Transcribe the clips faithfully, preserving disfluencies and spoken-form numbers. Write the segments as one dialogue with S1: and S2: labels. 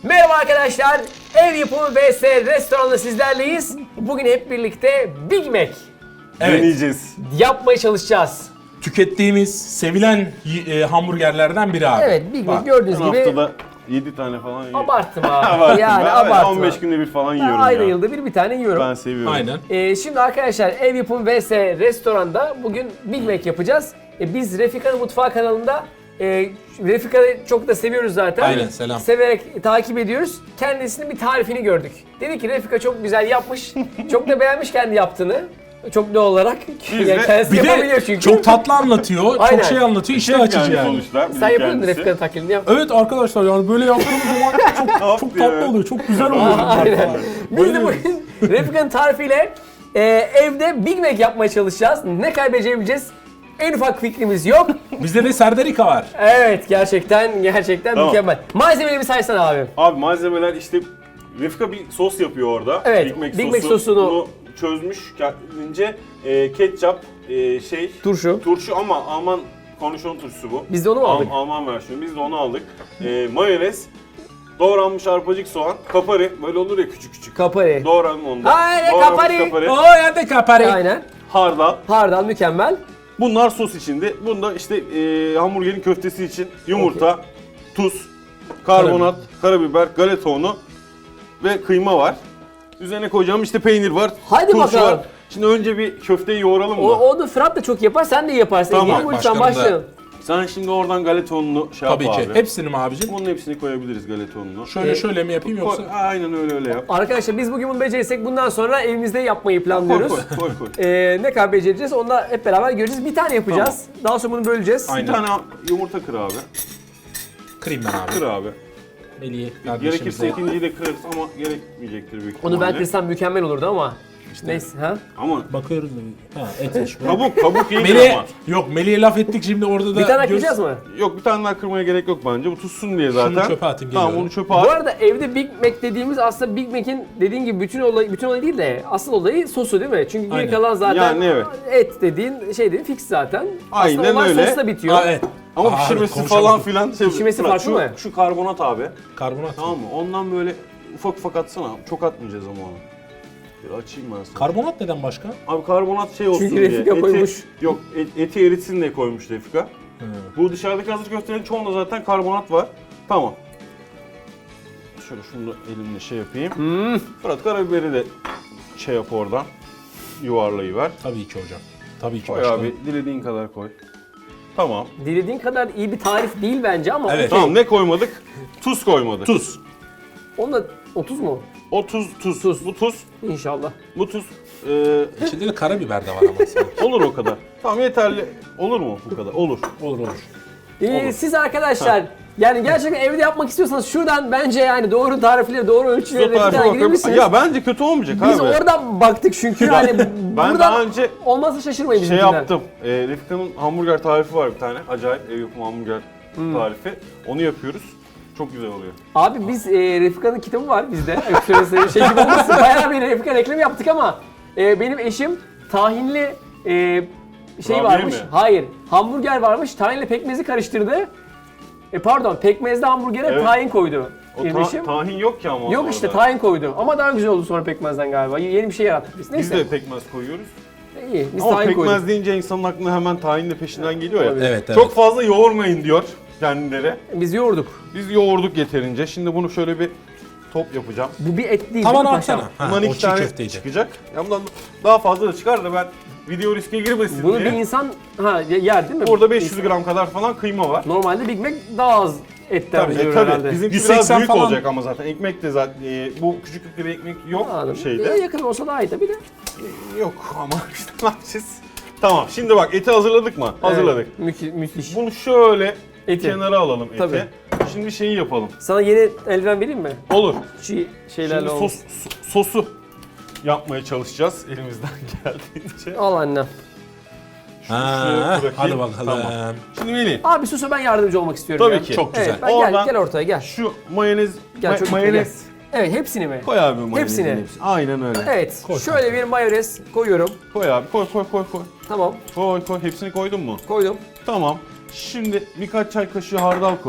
S1: Merhaba arkadaşlar, ev yapımı vs restoranda sizlerleyiz. Bugün hep birlikte Big Mac
S2: Evet.
S3: Deneyeceğiz.
S1: yapmaya çalışacağız.
S2: Tükettiğimiz, sevilen e, hamburgerlerden biri abi.
S1: Evet, Big Mac
S2: Bak,
S1: gördüğünüz
S3: Her
S1: gibi
S3: haftada yedi tane falan yiyorum.
S1: abarttım abi.
S3: Abarttım.
S1: Yani
S3: Ben
S1: abarttım.
S3: on beş günde bir falan yiyorum
S1: Ayda
S3: ya.
S1: yılda bir bir tane yiyorum.
S3: Ben seviyorum.
S2: Aynen.
S1: Ee, şimdi arkadaşlar ev yapımı vs restoranda bugün Big Mac yapacağız. Ee, biz Refika'nın Mutfağı kanalında e, Refika'yı çok da seviyoruz zaten.
S2: Aynen, selam.
S1: Severek takip ediyoruz. Kendisinin bir tarifini gördük. Dedi ki Refika çok güzel yapmış. Çok da beğenmiş kendi yaptığını. Çok doğal olarak.
S3: Biz
S1: Yani
S3: de-
S1: kendisi
S2: Bir
S1: yapabiliyor
S2: de
S1: çünkü.
S2: çok tatlı anlatıyor,
S1: Aynen.
S2: çok şey anlatıyor, iştah
S3: Şef
S2: açıcı yani.
S3: sonuçta. bizim
S1: Sen yapıyordun
S3: kendisi.
S1: Refika'nın taklidini yap.
S2: Evet arkadaşlar yani böyle yaptığımız zaman çok, çok
S3: ya?
S2: tatlı oluyor, çok güzel oluyor.
S1: Aynen. Biz de
S2: Bayılıyorum.
S1: bugün Refika'nın tarifiyle e, evde Big Mac yapmaya çalışacağız. Ne kaybedeceğimiz en ufak fikrimiz yok.
S2: Bizde de Serdarika var.
S1: Evet, gerçekten gerçekten
S3: Tamam.
S1: mükemmel. Malzemeleri bir saysana abi.
S3: Abi malzemeler işte Refika bir sos yapıyor orada.
S1: Evet,
S3: Big Mac,
S1: Big Mac
S3: sosu.
S1: sosunu-
S3: Bunu çözmüş kendince. E, ketçap, e, şey,
S1: Turşu.
S3: turşu ama Alman kornişon turşusu bu.
S1: Biz de onu mu
S3: Al-
S1: aldık?
S3: Alman versiyonu. Biz de onu aldık. E, mayonez, doğranmış arpacık soğan, kapari. Böyle olur ya küçük küçük.
S1: Kapari.
S3: Doğradım onu da.
S1: Aynen,
S3: Doğranmış
S1: kapari.
S2: O yerde kapari.
S1: Aynen.
S3: Hardal.
S1: Hardal mükemmel.
S3: Bunlar sos içinde. Bunda işte e, hamburgerin köftesi için yumurta, tuz, karbonat, karabiber, galeta unu ve kıyma var. Üzerine koyacağım işte peynir var,
S1: Haydi
S3: turşu
S1: bakalım.
S3: var. Şimdi önce bir köfteyi yoğuralım mı?
S1: O, onu Fırat da çok yapar, sen de iyi yaparsın.
S3: Tamam,
S1: Tamam, lütfen
S2: başkanım da-
S1: başlayalım.
S3: Sen şimdi oradan galeta ununu şey
S2: Tabii
S3: yap
S2: ki.
S3: abi.
S2: Hepsini mi abicim?
S3: Bunun hepsini koyabiliriz galeta ununu.
S2: Şöyle
S1: Ee,
S2: şöyle mi yapayım yoksa?
S3: Koy- Aynen öyle öyle yap.
S1: Arkadaşlar biz bugün bunu becerirsek bundan sonra evimizde yapmayı
S3: Koy
S1: planlıyoruz.
S3: koy koy. koy.
S1: Ee, ne kadar becereceğiz onu da hep beraber göreceğiz. Bir tane yapacağız. Daha sonra bunu böleceğiz.
S2: Aynen.
S3: Bir tane yumurta kır abi.
S2: Kırayım ben
S3: Kır
S2: abi.
S3: abi.
S2: Melih'i
S3: Gerekirse
S2: kardeşimize.
S3: ikinciyi de kırarız ama gerekmeyecektir büyük
S1: Onu ben
S3: ihtimalle.
S1: kırsam mükemmel olurdu ama. Neyse ha.
S3: Ama
S2: Bakıyoruz da. Ha etmiş.
S3: kabuk kabuk iyidir
S2: Melih,
S3: ama.
S2: yok Melih'e laf ettik şimdi orada da.
S1: Bir tane
S2: göz-
S1: kıracağız mı?
S3: Yok bir tane daha kırmaya gerek yok bence. Bu tutsun diye zaten.
S2: çöpe atayım,
S3: Tamam
S2: geliyorum.
S3: onu çöpe
S1: Bu
S3: at.
S1: arada evde Big Mac dediğimiz aslında Big Mac'in dediğin gibi bütün olayı bütün olayı değil de asıl olayı sosu değil mi? Çünkü geri
S2: Aynen.
S1: kalan zaten
S3: Yani evet.
S1: et dediğin şey dediğin fix zaten.
S3: Aynen
S1: aslında olay
S3: öyle.
S1: sosla bitiyor.
S2: Aa, evet.
S3: Ama
S2: Aa,
S3: pişirmesi
S2: evet,
S3: falan
S2: konuşamadım.
S3: filan. Şey,
S1: Pişirmesi
S3: Fırat,
S1: farklı
S3: şu,
S1: mı?
S3: Şu karbonat abi.
S2: Karbonat.
S3: Tamam mı? Ondan böyle ufak ufak atsana. Çok atmayacağız ama onu. Bir açayım ben sana.
S2: Karbonat neden başka?
S3: Abi karbonat şey olsun
S1: Çünkü
S3: diye.
S1: Refika koymuş.
S3: Yok et, eti eritsin diye koymuş Refika.
S2: Hı.
S3: Bu dışarıdaki hazır köftelerin çoğunda zaten karbonat var. Tamam. Şöyle şunu da elimle şey yapayım.
S1: Hmm.
S3: Fırat karabiberi de şey yap oradan. Yuvarlayıver.
S2: Tabii ki hocam. Tabii ki
S3: Koy
S2: başkanım.
S3: abi dilediğin kadar koy. Tamam.
S1: Dilediğin kadar iyi bir tarif değil bence ama
S2: Evet.
S1: okey.
S3: Tamam ne koymadık? Tuz koymadık.
S2: Tuz.
S1: Onda otuz mu?
S3: O tuz, tuz.
S1: Tuz.
S3: Bu tuz,
S1: İnşallah.
S3: bu tuz. Ee,
S2: İçinde de karabiber de var ama sanki.
S3: olur o kadar. Tamam yeterli. Olur mu bu kadar? Olur.
S2: Olur olur.
S1: Ee,
S3: Olur.
S1: siz arkadaşlar yani gerçekten evde yapmak istiyorsanız şuradan bence yani doğru tarifleri, doğru ölçüleri bir
S3: Tarife
S1: tane
S3: bakıp-
S1: girebilirsiniz.
S3: Ya bence kötü olmayacak
S1: Biz
S3: abi.
S1: oradan baktık çünkü yani
S3: Ben
S1: buradan
S3: daha önce
S1: olmazsa şaşırmayın
S3: şey
S1: bizimkinden.
S3: yaptım. E, Refika'nın hamburger tarifi var bir tane. Acayip ev yapımı hamburger
S1: Hmm.
S3: tarifi. Onu yapıyoruz. Çok güzel oluyor.
S1: Abi biz e, Refika'nın kitabı var bizde. Öksüresi şey gibi olmasın. Bayağı bir Refika reklamı yaptık ama e, benim eşim tahinli e, şey
S3: Kurabiye
S1: varmış.
S3: mi?
S1: Hayır. Hamburger varmış. Tahinle pekmezi karıştırdı. E pardon, pekmezli hamburgere
S3: Evet.
S1: tahin koydu.
S3: O
S1: benim
S3: ta-
S1: eşim.
S3: tahin yok ki ama
S1: Yok
S3: orada.
S1: işte tahin koydu. Ama daha güzel oldu sonra pekmezden galiba. Yeni bir şey yarattık biz.
S3: Biz
S1: Neyse.
S3: de pekmez koyuyoruz.
S1: İyi. Biz
S3: Ama
S1: tahin
S3: pekmez
S1: koyduk.
S3: deyince insanın aklına hemen tahin de peşinden geliyor ya.
S1: Evet,
S2: evet.
S3: Çok fazla yoğurmayın diyor kendileri.
S1: Biz yoğurduk.
S3: Biz yoğurduk yeterince. Şimdi bunu şöyle bir top yapacağım.
S1: Bu bir et değil.
S2: Tavan
S1: değil mi paşam?
S2: atsana. Ha,
S3: Bundan
S2: o
S3: iki
S2: çiğ
S3: tane
S2: köfteydi.
S3: çıkacak. Ya bundan daha fazla da çıkar da ben video riske girmesin
S1: Bunu
S3: diye.
S1: bir insan ha yer değil mi?
S3: Burada beş yüz gram kadar falan kıyma var.
S1: Normalde Big Mac daha az etten
S2: Tabii,
S1: biliyor
S3: E, tabii.
S1: herhalde.
S3: Bizimki
S2: yüz
S3: biraz
S2: seksen
S3: büyük
S2: falan.
S3: olacak ama zaten. Ekmek de zaten e, bu küçüklükte bir ekmek yok
S1: Anladım.
S3: şeyde.
S1: Ee, yakın olsa daha iyi tabii de.
S3: Yok ama işte ne yapacağız? Tamam şimdi bak eti hazırladık mı? Hazırladık.
S1: Evet, mü- müthiş.
S3: Bunu şöyle
S1: Eti.
S3: kenara alalım eti.
S1: Tabii.
S3: Şimdi şeyi yapalım.
S1: Sana yeni eldiven vereyim mi?
S3: Olur.
S1: Çiğ şeylerle
S3: Şimdi
S1: olmuş.
S3: sos, so- sosu yapmaya çalışacağız elimizden geldiğince.
S1: Al annem.
S3: Şunu
S2: Ha,
S3: şuraya bırakayım.
S2: hadi bakalım.
S3: Tamam. Şimdi Melih,
S1: Abi susa ben yardımcı olmak istiyorum
S3: tabii
S1: ya.
S3: ki.
S2: Çok güzel.
S1: Evet, ben gel,
S3: Oradan-
S1: gel ortaya gel.
S3: Şu mayonez,
S1: Gel
S3: ma-
S1: çocuk,
S3: mayonez.
S1: Evet, hepsini mi?
S3: Koy abi mayonezin
S1: Hepsini.
S3: hepsini. Aynen öyle.
S1: Evet,
S2: Koy
S1: şöyle bir mayonez koyuyorum.
S3: Koy abi, koy koy koy koy.
S1: Tamam,
S3: Koy koy, hepsini koydun mu?
S1: koydum.
S3: Tamam. Şimdi birkaç çay kaşığı hardal koy.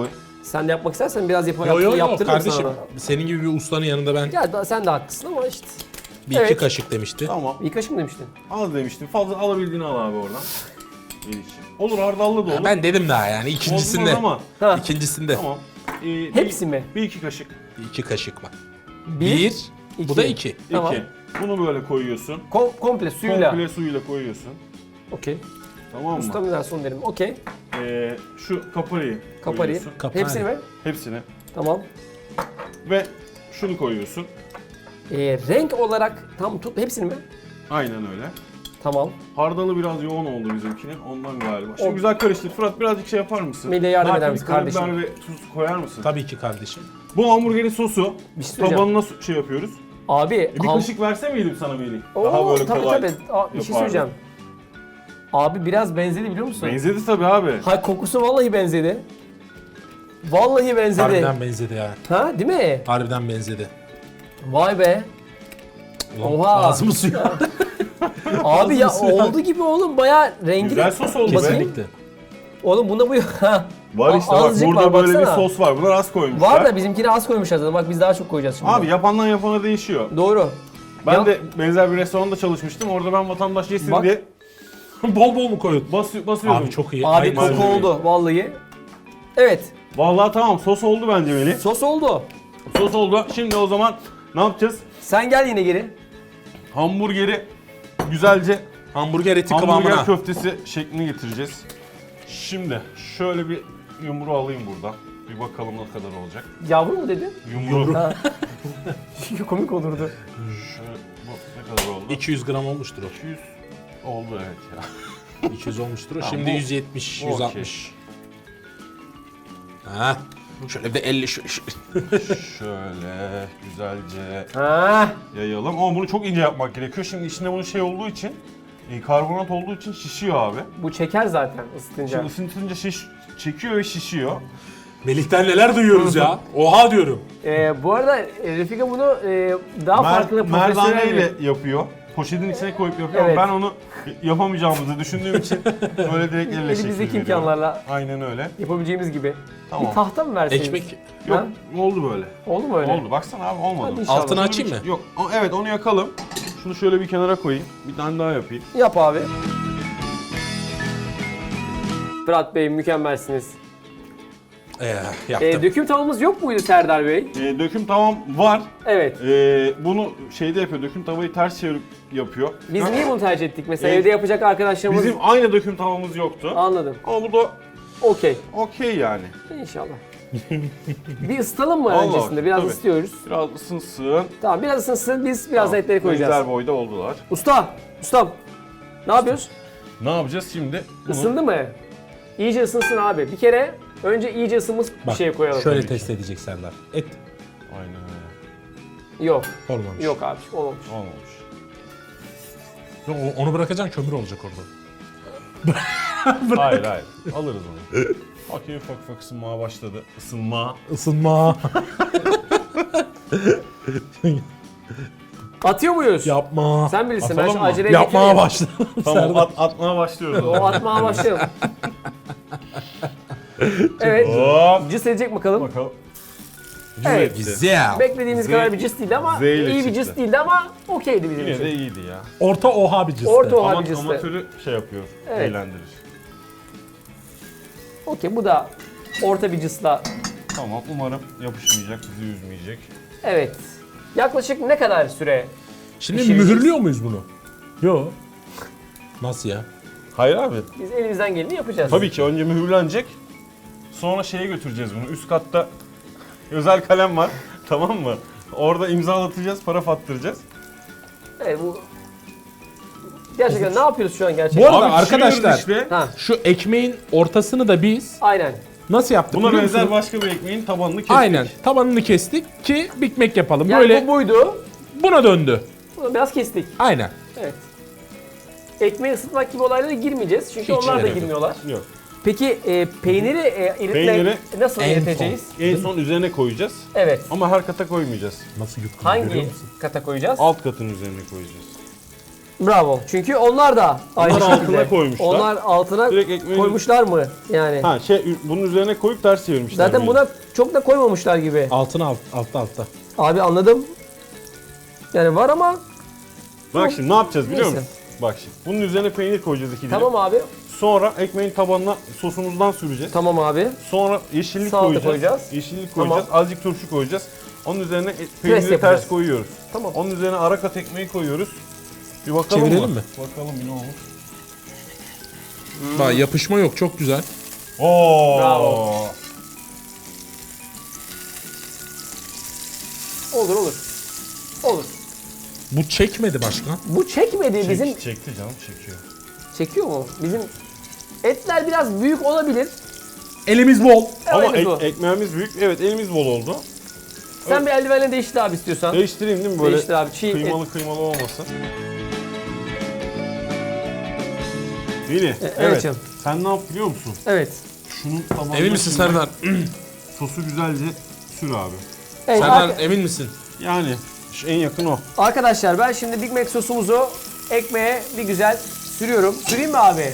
S1: Sen de yapmak istersen biraz yap
S2: Yo yo yo
S1: yaptırırım
S2: kardeşim.
S1: sana.
S2: Senin gibi bir ustanın yanında ben
S1: Ya da sen de haklısın ama işte.
S2: bir
S1: Evet.
S2: iki kaşık demişti.
S3: Tamam.
S1: İlk kaşık mı demiştin?
S3: Al demiştim. Fazla alabildiğini al abi oradan. Melih'ciğim. Olur hardallı da olur.
S2: Ben dedim daha yani
S3: Olmaz
S2: ikincisinde.
S3: ama.
S1: Ha.
S2: İkincisinde.
S3: Tamam. Ee, bir-
S1: Hepsi mi?
S3: Bir iki kaşık.
S2: İki kaşık var.
S1: Bir,
S2: Bir,
S1: iki.
S2: bu da iki.
S1: Tamam.
S3: İki. Bunu böyle koyuyorsun.
S1: Kom- komple suyla.
S3: Komple suyla koyuyorsun.
S1: Okey.
S3: Tamam mı?
S1: Ustam ne son derim. Okey.
S3: Ee, şu kaparayı
S1: Kaparayı.
S3: koyuyorsun.
S2: Kapari.
S1: Hepsini mi?
S3: Hepsini.
S1: Tamam.
S3: Ve şunu koyuyorsun.
S1: Ee, renk olarak tam tut hepsini mi?
S3: Aynen öyle.
S1: Tamam.
S3: Hardalı biraz yoğun oldu bizimkinin. Ondan galiba. Şimdi
S1: O-
S3: güzel karıştır. Fırat birazcık şey yapar mısın?
S1: Melih'e yardım
S3: Belki
S1: eder
S3: bir
S1: misin
S3: karabiber
S1: kardeşim?
S3: ve tuz koyar mısın?
S2: Tabii ki kardeşim.
S3: Bu hamburgerin sosu
S1: Bir şey söyleyeceğim.
S3: tabanına su- şey yapıyoruz.
S1: Abi.
S3: E bir
S1: ham-
S3: kaşık verse miydim sana Melih?
S1: Oo,
S3: Daha böyle
S1: tabii
S3: kolay.
S1: tabii. Aa, bir şey
S3: yapardım.
S1: söyleyeceğim. Abi biraz benzedi biliyor musun?
S3: Benzedi tabii abi.
S1: Hay kokusu vallahi benzedi. Vallahi benzedi.
S2: Harbiden benzedi ya.
S1: Ha değil mi?
S2: Harbiden benzedi.
S1: Vay be.
S2: Ulan
S1: Oha.
S2: ağzımı suyu.
S1: Abi ya
S2: Ağzını suya-
S1: oldu gibi oğlum bayağı rengi.
S3: Güzel sos oldu be.
S2: Kesinlikle.
S1: Oğlum bunda bu ha.
S3: Var işte
S1: A-
S3: bak
S1: azıcık
S3: burada
S1: var,
S3: böyle
S1: baksana.
S3: bir sos var. Bunlar az koymuşlar.
S1: Var da bizimkini az koymuşlar zaten. Bak biz daha çok koyacağız şimdi.
S3: Abi yapandan yapana değişiyor.
S1: Doğru.
S3: Ben
S1: Ya-
S3: de benzer bir restoranda çalışmıştım. Orada ben vatandaş yesin
S1: Bak.
S3: diye
S2: Bol bol mu koyun?
S3: basıyor, basıyordum.
S2: Abi çok iyi.
S1: Abi
S2: Aynen
S1: koku
S2: öyle.
S1: oldu vallahi. Evet.
S3: Vallahi tamam sos oldu bence Melih.
S1: Sos oldu.
S3: Sos oldu. Şimdi o zaman ne yapacağız?
S1: Sen gel yine geri.
S3: Hamburgeri güzelce
S2: Hamburger eti
S3: hamburger
S2: kıvamına.
S3: köftesi şeklini getireceğiz. Şimdi şöyle bir yumru alayım buradan. Bir bakalım ne kadar olacak.
S1: Yavru mu dedin?
S3: Yumru.
S1: Ha. Komik olurdu.
S3: Şöyle bu ne kadar oldu?
S2: iki yüz gram olmuştur o.
S3: iki yüz oldu evet ya.
S2: iki yüz olmuştur o.
S3: Tamam,
S2: Şimdi
S3: bu-
S2: yüz yetmiş,
S3: bu
S2: yüz
S3: okey.
S2: altmış. Ha. Şöyle bir de elli şu, şu.
S3: Şöyle güzelce
S1: Ha.
S3: yayalım. Ama bunu çok ince yapmak gerekiyor. Şimdi içinde bunun şey olduğu için, e, karbonat olduğu için şişiyor abi.
S1: Bu çeker zaten ısıtınca.
S3: Şimdi ısıtınca şiş, çekiyor ve şişiyor.
S2: Melih'ten neler duyuyoruz ya. Oha diyorum.
S1: Ee, bu arada e, Refika bunu e, daha
S3: Mer-
S1: farklı profesyonel
S3: merdaneyle
S1: bir...
S3: yapıyor. Poşetin içine koyup yapıyor
S1: Evet.
S3: ama ben onu yapamayacağımızı düşündüğüm için böyle direkt elle şekil
S1: Elimizdeki
S3: veriyorum.
S1: imkanlarla
S3: Aynen öyle.
S1: yapabileceğimiz gibi.
S3: Tamam.
S1: Bir tahta mı verseydiniz?
S2: Ekmek
S3: Yok
S1: Ha?
S3: oldu böyle.
S1: Oldu mu öyle?
S3: Oldu. Baksana abi olmadı.
S1: Hadi inşallah.
S2: altını
S3: Şunu
S2: açayım
S3: bir-
S2: mı?
S3: Yok. o- Evet onu yakalım. Şunu şöyle bir kenara koyayım. Bir tane daha yapayım.
S1: Yap abi. Fırat Bey mükemmelsiniz.
S2: Ee,
S1: Ee,
S2: yaptım.
S1: döküm tavamız yok muydu Serdar Bey?
S3: Ee, döküm tavam var.
S1: Evet.
S3: Ee, bunu şeyde yapıyor. Döküm tavayı ters çevirip yapıyor.
S1: Biz
S3: Ha,
S1: niye bunu tercih ettik? Mesela
S3: Ee,
S1: evde yapacak arkadaşlarımız...
S3: Bizim aynı döküm tavamız yoktu.
S1: Anladım.
S3: Ama bu da
S1: Okey.
S3: okey yani.
S1: İnşallah. bir ısıtalım mı
S3: Allah,
S1: öncesinde? Biraz
S3: tabii.
S1: ısıtıyoruz.
S3: Biraz ısınsın.
S1: Tamam biraz ısınsın biz biraz
S3: Tamam,
S1: etleri koyacağız.
S3: Benzer boyda oldular.
S1: Usta! Ustam! Ne yapıyoruz?
S3: Ne yapacağız şimdi? Bunu
S1: Isındı mı? İyice ısınsın abi. Bir kere önce iyice ısınmış bir
S2: Bak,
S1: şey koyalım.
S2: şöyle
S3: Tabii ki.
S2: test edecek Serdar. Et
S3: Aynen öyle.
S1: Yok.
S2: olmamış.
S1: Yok abi olmamış.
S3: Olmamış.
S2: Yok, o- onu bırakacaksın kömür olacak orada.
S3: Hayır hayır. Alırız onu. Okey ufak ufak ısınmaya başladı. Isınma.
S2: Isınma.
S1: Atıyor muyuz?
S2: Yapma.
S1: Sen bilirsin ben
S3: Atalım
S1: şu
S3: mı?
S1: aceleye
S2: Yapmaya
S1: getireyim.
S2: başla.
S3: Tamam
S2: Serdar.
S3: at, atmaya başlıyoruz.
S1: O atmaya başlayalım. evet.
S3: Hop.
S1: Cıs edecek bakalım.
S3: Bakalım.
S1: Evet.
S2: Güzel.
S1: Beklediğimiz
S3: Z-
S1: kadar bir cıs değildi ama
S3: Z ile
S1: iyi bir
S3: çıktı.
S1: cıs değildi ama okeydi bizim
S3: Yine
S1: için.
S3: de iyiydi ya.
S2: Orta oha bir ciste.
S1: Orta oha.
S3: Ama
S1: bir cıstı.
S3: amatörü şey yapıyor.
S1: Evet.
S3: Eğlendirir.
S1: Okey bu da orta bir cısla.
S3: Tamam umarım yapışmayacak, bizi üzmeyecek.
S1: Evet. Yaklaşık ne kadar süre?
S2: Şimdi
S1: Pişireceğiz.
S2: mühürlüyor muyuz bunu? Yok. Nasıl ya?
S3: Hayır abi.
S1: Biz elimizden geleni yapacağız.
S3: Tabii ki önce mühürlenecek. Sonra şeye götüreceğiz bunu. Üst katta özel kalem var. Tamam mı? Orada imzalatacağız, para fattıracağız.
S1: Evet bu... Gerçekten ne yapıyoruz şu an gerçekten?
S2: Bu arada
S3: Abi
S2: arkadaşlar
S3: pişiriyoruz işte.
S1: Ha,
S2: şu ekmeğin ortasını da biz
S1: aynen.
S2: nasıl yaptık
S3: Buna
S2: biliyor
S3: benzer
S2: musunuz?
S3: başka bir ekmeğin tabanını kestik.
S2: Aynen. Tabanını kestik ki Big Mac yapalım.
S1: Yani
S2: Böyle
S1: bu buydu.
S2: buna döndü.
S1: Bunu biraz kestik.
S2: Aynen.
S1: Evet. Ekmeği ısıtmak gibi olaylara girmeyeceğiz çünkü
S2: Hiç
S1: onlar da
S2: gerek yok.
S1: girmiyorlar.
S3: Yok.
S1: Peki e, peyniri e, eritme
S3: Peyniri
S1: nasıl
S2: en
S1: eriteceğiz?
S3: En son üzerine koyacağız.
S1: Evet.
S3: Ama her kata koymayacağız.
S2: Nasıl yutkundu görüyor
S1: Hangi
S2: musun?
S1: kata koyacağız?
S3: Alt katın üzerine koyacağız.
S1: Bravo. Çünkü onlar da aynı
S3: Onlar
S1: şekilde.
S3: altına koymuşlar.
S1: Onlar altına
S3: Direkt ekmeğin-
S1: koymuşlar mı? Yani.
S3: Ha şey bunun üzerine koyup ters çevirmişler.
S1: Zaten
S3: beni.
S1: buna çok da koymamışlar gibi.
S2: Altına alt, altta altta.
S1: Abi anladım. Yani var ama
S3: Bak şimdi ne yapacağız biliyor
S1: Neyse.
S3: musun? Bak şimdi. Bunun üzerine peynir koyacağız iki dilim.
S1: tamam abi.
S3: Sonra ekmeğin tabanına sosumuzdan süreceğiz.
S1: Tamam abi.
S3: Sonra yeşillik
S1: Salata
S3: koyacağız.
S1: koyacağız.
S3: Yeşillik
S1: Tamam.
S3: koyacağız. Azıcık turşu koyacağız. Onun üzerine e- peyniri
S1: yapacağız.
S3: ters koyuyoruz.
S1: Tamam.
S3: Onun üzerine ara kat ekmeği koyuyoruz. Bir bakalım
S2: Çevirelim
S3: mı?
S2: mi?
S3: Bakalım bir ne olur.
S2: Bak yapışma yok, çok güzel.
S3: Oo.
S1: Bravo. Olur olur. Olur.
S2: Bu çekmedi başkan.
S1: Bu çekmedi
S3: Çek-
S1: bizim.
S3: Çekti canım çekiyor.
S1: Çekiyor mu? Bizim etler biraz büyük olabilir.
S2: Elimiz bol.
S3: Ama
S1: Öyle
S3: ek-
S1: bu.
S3: ekmeğimiz büyük. Evet elimiz bol oldu.
S1: Sen bir eldivenle değiştir abi istiyorsan.
S3: Değiştireyim değil mi böyle?
S1: Değiştir abi. Çiğ
S3: Kıymalı kıymalı olmasın. Veli,
S1: evet
S3: evet.
S1: canım.
S3: Sen ne yap biliyor musun?
S1: Evet.
S3: Şunun tabanına
S2: Emin misin
S3: şimdi
S2: Serdar?
S3: sosu güzelce sür abi.
S1: Evet,
S2: Serdar
S1: arka-
S2: emin misin?
S3: Yani şu en yakın o.
S1: arkadaşlar ben şimdi Big Mac sosumuzu ekmeğe bir güzel sürüyorum. Süreyim mi abi?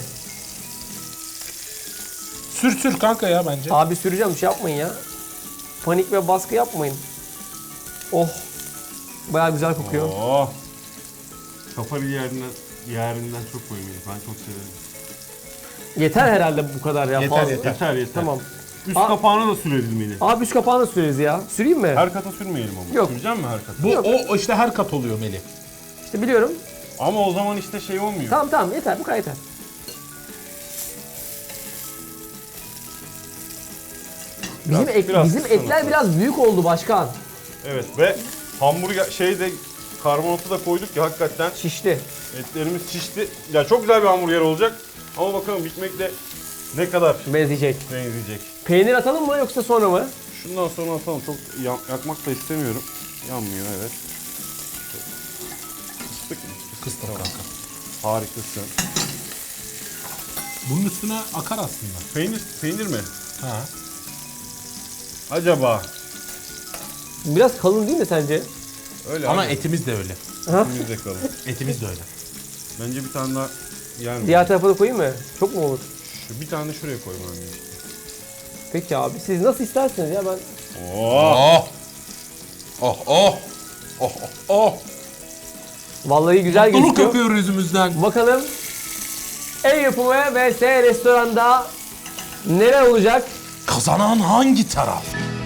S2: Sür sür kanka ya bence.
S1: Abi süreceğim, şey yapmayın ya. Panik ve baskı yapmayın. Oh. Bayağı güzel kokuyor.
S3: Oh. Kafa bir yerinden, yerinden çok koymayın. Ben çok severim.
S1: Yeter herhalde bu kadar ya.
S2: Yeter,
S1: fazla.
S2: yeter.
S3: Yeter yeter.
S1: Tamam.
S3: Üst
S1: Aa.
S3: kapağına da sürebilmeli.
S1: Abi üst kapağını süreriz ya. Süreyim mi?
S3: Her kata sürmeyelim ama.
S1: Yok.
S3: Süreceğim mi her kata?
S2: Bu
S1: Yok.
S2: o, o işte her kat oluyor Melih.
S1: İşte biliyorum.
S3: Ama o zaman işte şey olmuyor.
S1: Tamam tamam yeter, bu kadar yeter. Bizim,
S3: Biraz-
S1: ek-
S3: biraz
S1: bizim
S3: kıskanın.
S1: etler biraz büyük oldu başkan.
S3: Evet ve hamburger şeyde karbonatı da koyduk ya hakikaten
S1: Şişti.
S3: etlerimiz şişti. Ya çok güzel bir hamburger olacak. Ama bakalım Big Mac'le ne kadar
S1: Benzeyecek.
S3: benzeyecek.
S1: Peynir atalım mı yoksa sonra mı?
S3: Şundan sonra atalım. Çok ya- yakmak da istemiyorum. Yanmıyor evet. Kıstık mı?
S2: Kıstım kanka.
S3: Harikasın.
S2: Bunun üstüne akar aslında.
S3: Peynir, peynir mi?
S2: Ha.
S3: Acaba?
S1: Biraz kalın değil mi sence?
S3: Öyle
S2: Ama
S3: abi.
S2: etimiz de öyle.
S1: Ha?
S3: Etimizde kalın.
S2: Etimiz de öyle.
S3: Bence bir tane daha yer mi?
S1: Diğer tarafa da koyayım mı? Çok mu olur?
S3: Şu bir tane de şuraya koymam gerekiyor.
S1: Peki abi siz nasıl isterseniz ya ben...
S3: Oo.
S2: Oh. Oh oh. Oh oh oh.
S1: Vallahi güzel
S2: Mutluluk
S1: gözüküyor.
S2: akıyor yüzümüzden.
S1: Bakalım ev yapımı vs restoranda neler olacak?
S2: Kazanan hangi taraf?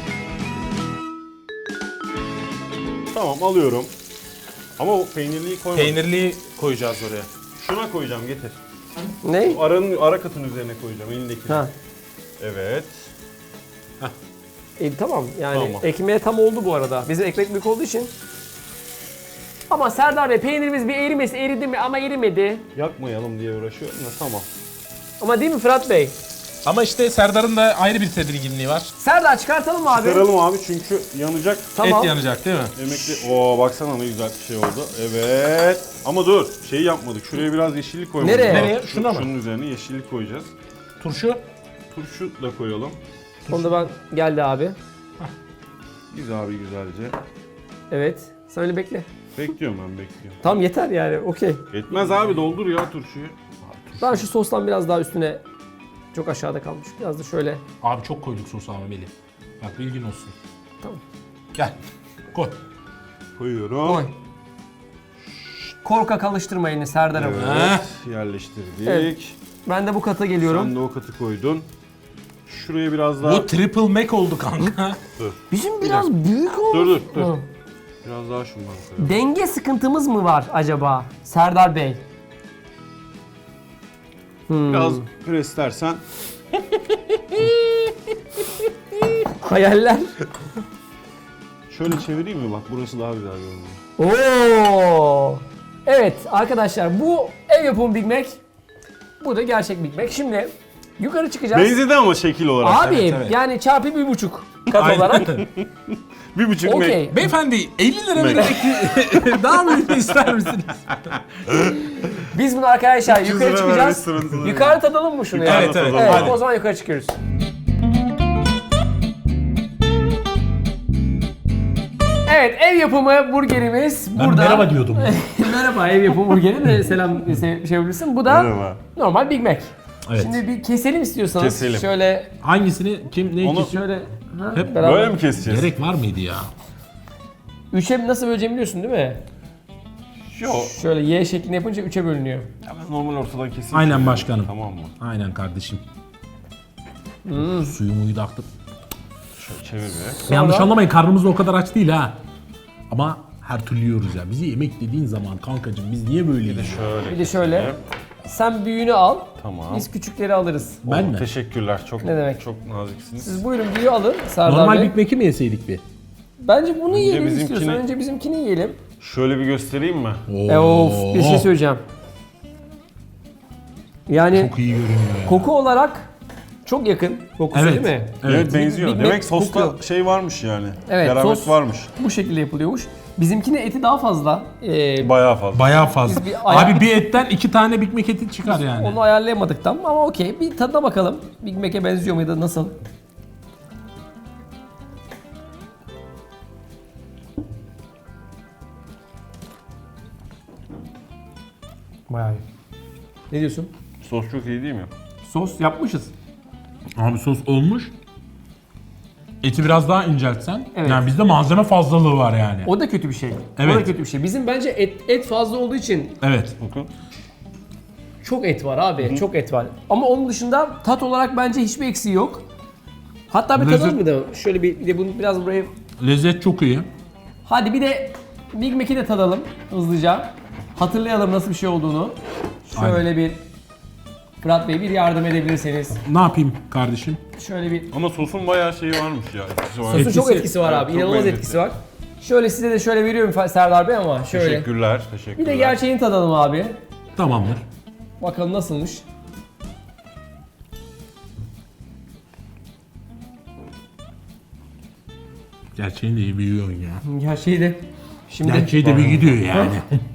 S3: Tamam alıyorum. Ama o peynirliyi koymadım.
S2: Peynirliyi koyacağız oraya.
S3: Şuna koyacağım getir.
S1: Ne?
S3: Aranın ara katın üzerine koyacağım elindeki.
S1: Ha.
S3: Evet.
S1: E, tamam yani
S3: Tamam.
S1: ekmeğe tam oldu bu arada. Bizim ekmek büyük olduğu için. Ama Serdar Bey peynirimiz bir erimesi eridi mi ama erimedi.
S3: Yakmayalım diye uğraşıyorum da tamam.
S1: Ama değil mi Fırat Bey?
S2: Ama işte Serdar'ın da ayrı bir tedirginliği var.
S1: Serdar çıkartalım mı abi?
S3: Çıkaralım abi çünkü yanacak.
S1: Tamam.
S2: Et yanacak değil mi?
S3: Yemekli. Oo baksana ne güzel bir şey oldu. Evet. Ama dur şeyi yapmadık. Şuraya biraz yeşillik koymadık.
S1: Nereye?
S2: Nereye?
S3: Şu-
S2: Şuna mı?
S3: Şunun üzerine yeşillik koyacağız.
S2: Turşu.
S3: Turşu da koyalım.
S1: Onu da ben geldi abi.
S3: Güzel abi güzelce.
S1: Evet. Sen öyle bekle.
S3: Bekliyorum ben bekliyorum.
S1: Tamam yeter yani okey.
S3: Yetmez abi doldur ya turşuyu.
S1: Ben şu sostan biraz daha üstüne çok aşağıda kalmış. Biraz da şöyle.
S2: Abi çok koyduk sosu ama Melih. Bak bilgin olsun.
S1: Tamam.
S2: Gel. Koy.
S3: Koyuyorum.
S1: Koy. Korkak alıştırmayın Serdar'ım.
S3: Evet yerleştirdik.
S1: Evet. Ben de bu kata geliyorum.
S3: Sen de o katı koydun. Şuraya biraz daha...
S2: Bu triple mac oldu kanka.
S1: Bizim biraz büyük oldu.
S3: Dur dur dur.
S1: Hı.
S3: Biraz daha şundan koyalım.
S1: Denge sıkıntımız mı var acaba Serdar Bey? Hmm.
S3: Biraz preslersen.
S1: Hayaller.
S3: Şöyle çevireyim mi bak burası daha güzel görünüyor.
S1: Oo. Evet arkadaşlar bu ev yapımı Big Mac. Bu da gerçek Big Mac. Şimdi yukarı çıkacağız.
S3: Benzedi ama şekil olarak.
S1: Abi
S2: Evet, evet.
S1: yani çarpı bir buçuk kat
S2: Aynen.
S1: olarak.
S3: Bir buçuk
S1: Okey.
S3: mek.
S2: Beyefendi elli lira
S3: Mac.
S2: vererek daha büyük ister misiniz?
S1: Biz bunu arkadaşlar
S3: üç yüz
S1: yukarı
S3: lira
S1: çıkacağız.
S3: ver, restoranına.
S1: Yukarı tadalım mı şunu
S3: Yukarı
S1: ya?
S2: Evet, evet.
S1: Evet,
S2: Hadi.
S1: o zaman yukarı çıkıyoruz. Evet, ev yapımı burgerimiz
S2: Ben
S1: burada.
S2: merhaba diyordum.
S1: Merhaba, ev yapımı burgeri de selam şey şey yapabilirsin. Bu da
S3: Merhaba.
S1: normal Big Mac.
S2: Evet.
S1: Şimdi bir keselim istiyorsanız.
S3: Keselim.
S1: Şöyle
S2: Hangisini kim ne
S3: Onu-
S2: kesiyor?
S1: şöyle ha,
S2: Hep
S1: beraber.
S3: Böyle mi keseceğiz?
S2: Gerek var mıydı ya?
S1: Üçe nasıl böleceğimi biliyorsun değil mi?
S3: Yok.
S1: Şöyle Y şeklinde yapınca üçe bölünüyor.
S3: Ya ben normal ortadan keseyim.
S2: Aynen
S3: şöyle.
S2: başkanım.
S3: Tamam mı?
S2: Aynen kardeşim.
S1: Hmm.
S2: Suyumuyu da aktık.
S3: Şöyle çevir bir.
S2: Yanlış anlamayın, karnımız da o kadar aç değil ha. Ama her türlü yiyoruz ya. Bizi yemek dediğin zaman kankacığım biz niye böyleyiz?
S3: Şöyle.
S1: Bir de şöyle. Sen büyüğünü al.
S3: Tamam.
S1: Biz küçükleri alırız.
S2: Ben
S3: Oo,
S2: mi?
S3: Teşekkürler. Çok
S1: Ne demek?
S3: çok naziksiniz.
S1: Siz buyurun büyüğü alın Serdar
S2: Normal
S1: Bey.
S2: Big Mac'i mi yeseydik bir?
S1: Bence bunu yiyelim
S3: bizimkini-
S1: istiyorsan. Önce bizimkini yiyelim.
S3: Şöyle bir göstereyim mi?
S1: E of bir şey söyleyeceğim. Yani
S2: Çok iyi görünüyor ya.
S1: koku olarak çok yakın kokusu
S2: Evet.
S1: değil mi?
S3: Evet,
S2: Evet.
S3: benziyor.
S1: Big Mac
S3: Demek sosta
S1: kokuyor.
S3: şey varmış yani.
S1: Evet,
S3: Keramet
S1: sos-
S3: varmış.
S1: Bu şekilde yapılıyormuş. Bizimkine eti daha fazla. Ee,
S3: Bayağı fazla.
S2: Bayağı fazla.
S1: Biz bir ayar-
S2: Abi bir etten iki tane Big Mac eti çıkar yani.
S1: onu ayarlayamadık tam ama okey. Bir tadına bakalım. Big Mac'e benziyor mu ya da nasıl? Bayağı iyi. Ne diyorsun?
S3: Sos çok iyi değil mi?
S1: Sos yapmışız.
S2: Abi sos olmuş. Eti biraz daha inceltsen.
S1: Evet.
S2: Yani bizde malzeme fazlalığı var yani.
S1: O da kötü bir şey. O
S2: Evet.
S1: da kötü bir şey. Bizim bence et, et fazla olduğu için
S2: Evet.
S3: Bakın.
S1: çok et var abi. Çok et var. Ama onun dışında tat olarak bence hiçbir eksiği yok. Hatta bir
S2: Lezzet-
S1: tadalım mı da? Şöyle bir, bir de bunu biraz buraya...
S2: Lezzet çok iyi.
S1: Hadi bir de Big Mac'i de tadalım hızlıca. Hatırlayalım nasıl bir şey olduğunu. Şöyle
S2: Aynen.
S1: bir... Fırat Bey bir yardım edebilirseniz.
S2: Ne yapayım kardeşim?
S1: Şöyle bir...
S3: Ama sosun bayağı şeyi varmış ya. Etkisi var.
S1: Sosun
S2: Etkisi-
S1: çok etkisi var
S3: Evet,
S1: abi.
S3: çok
S1: İnanılmaz
S3: lezzetli.
S1: etkisi var. Şöyle size de şöyle veriyorum Serdar Bey ama şöyle.
S3: Teşekkürler. Teşekkürler.
S1: Bir de gerçeğini tadalım abi.
S2: Tamamdır.
S1: Bakalım nasılmış.
S2: Gerçeğini de iyi biliyorsun ya.
S1: Gerçeği de... Şimdi...
S2: Gerçeği de bir gidiyor yani.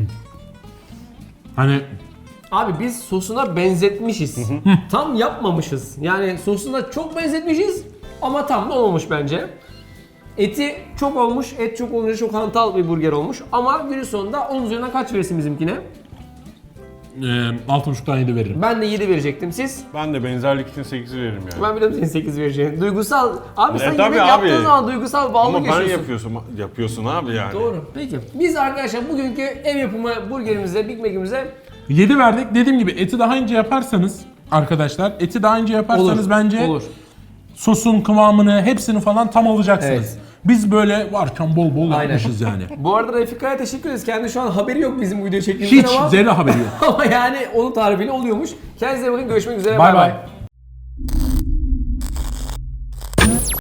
S2: Hani
S1: Abi biz sosuna benzetmişiz. Tam yapmamışız. Yani sosuna çok benzetmişiz ama tam da olmamış bence. Eti çok olmuş. Et çok olunca çok hantal bir burger olmuş. Ama günün sonunda on üzerinden kaç verirsin bizimkine?
S2: e, altı buçuktan yedi veririm.
S1: Ben de yedi verecektim. Siz?
S3: Ben de benzerlik için sekiz veririm yani.
S1: Ben biliyorum senin sekiz vereceğini. Duygusal. Abi sen
S3: E, tabii
S1: yemek
S3: abi.
S1: yaptığın zaman duygusal bağlılık
S3: Ama ben
S1: yaşıyorsun.
S3: yapıyorsun, yapıyorsun abi yani.
S1: Doğru. Peki. Biz arkadaşlar bugünkü ev yapımı burgerimize, Big Mac'imize
S2: yedi verdik. Dediğim gibi eti daha ince yaparsanız arkadaşlar, eti daha ince yaparsanız
S1: olur.
S2: bence
S1: Olur.
S2: sosun kıvamını, hepsini falan tam alacaksınız.
S1: Evet.
S2: Biz böyle varken bol bol
S1: Aynen.
S2: yapmışız yani.
S1: Bu arada Refika'ya teşekkür ederiz. Kendi şu an haberi yok bizim bu videoyu çektiğimizden
S2: Hiç
S1: ama...
S2: zerre haberi yok.
S1: Ama yani onun tarifiyle oluyormuş. Kendinize bakın. Görüşmek üzere.
S2: Bay
S1: Bay
S2: bay.
S1: bay.